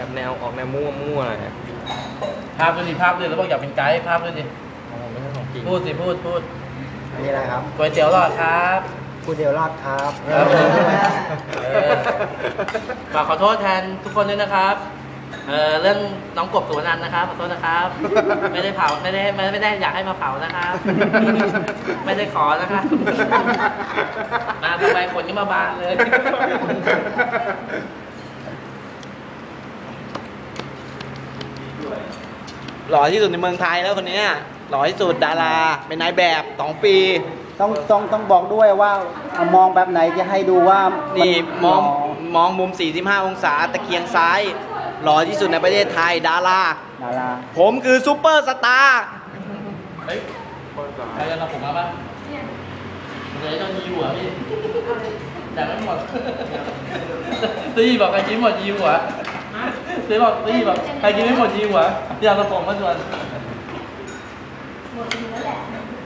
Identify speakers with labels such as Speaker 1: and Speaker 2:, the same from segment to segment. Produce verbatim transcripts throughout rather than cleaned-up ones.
Speaker 1: แบบแนวออกแนวมั่วมั่วเนี่ย
Speaker 2: ภาพด้วยดิภาพด้วยแล้วบอกอยากเป็นไกด์ภาพด้วยดิไม่ใช่ของจริงพูดสิพูดพูด
Speaker 3: อันนี้อะไรครับ
Speaker 2: ก๋วยเตี๋ยวหลอดครับ
Speaker 3: ก๋วยเตี๋ยวหลอดครับ
Speaker 2: ฝากขอโทษแทนทุกคนด้วยนะครับเออเรื่องน้องกบสุวรรณนะครับขอโทษนะครับไม่ได้เผาไม่ได้ไม่ไม่ได้อยากให้มาเผานะครับไม่ได้ขอนะครับมาทำไมคนก็มาบานเลยหล่อที่สุดในเมืองไทยแล้วคนนี้หล่อที่สุดดาราเป็นนายแบบสองปี
Speaker 3: ต้องต้องต้องบอกด้วยว่ามองแบบไหนจะให้ดูว่า
Speaker 2: นี่มองมองมุมสี่สิบห้าองศาตะเคียงซ้ายหล่อที่สุดในประเทศไทยดารา
Speaker 3: ดารา
Speaker 2: ผมคือซูเปอร์สตาร์เฮ้ยใครจะรับผมมาป่ะเดี๋ยวจะยีหัวพี่อยากไม่หมดตีบอกใครกินหมดยีหัวตีบอกตีบอกใครกินไม่หมดยีหัวอยากรับผมมาชวนหมดแล้วแหละ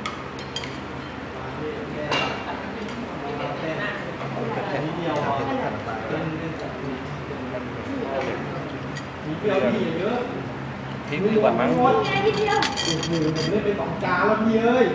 Speaker 2: มีเปรี้ยวพี่เยอะพริกดีกว่ามั้งโอ้โหผมเล่นไปสองจานแล้วพี่เอ้ย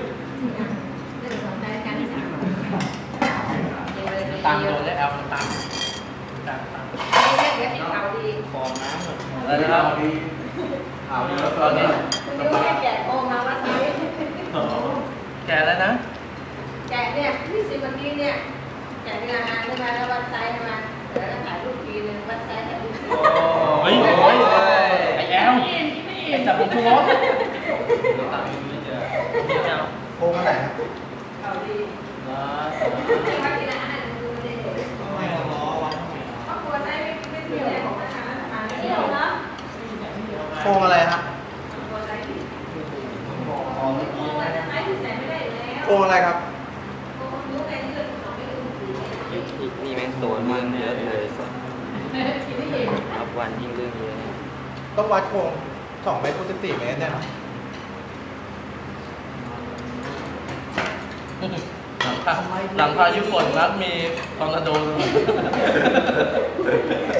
Speaker 2: ตามโดนได้แอลมันตามตามตามเรียกเรียกข่าวดีฟองน้ำอะไรนะครับข่าวดีแล้วตอนนี้แกะโอมาว่าไซแกะแล้วนะ
Speaker 4: แกะเนี่ยที่สิวันนี้เนี่ยแกะเนื้อหาใช่ไหมแล้ววัดไซส์มาเดี๋ยวถ่ายรูปทีนึงวัดไซส์ถ่ายรูปที
Speaker 2: เฮ้ยโอ้ยไอ้แอลไอ้จับผมทุกรถ
Speaker 3: โค้งอะไรครับ
Speaker 4: ข่าวดี
Speaker 3: โค้งอะไรครับโค้งอะไรครับ
Speaker 1: นี่แม่งตัวเรื่องเยอะเลยรับวันยิ่งเรื่องเยอะ
Speaker 3: ต้องวัดโค้งสองเมตรคูณสิบสี่เมตรเนี่ย
Speaker 2: หลังคาหลังคาญี่ปุ่นนะมีทอร์นาโด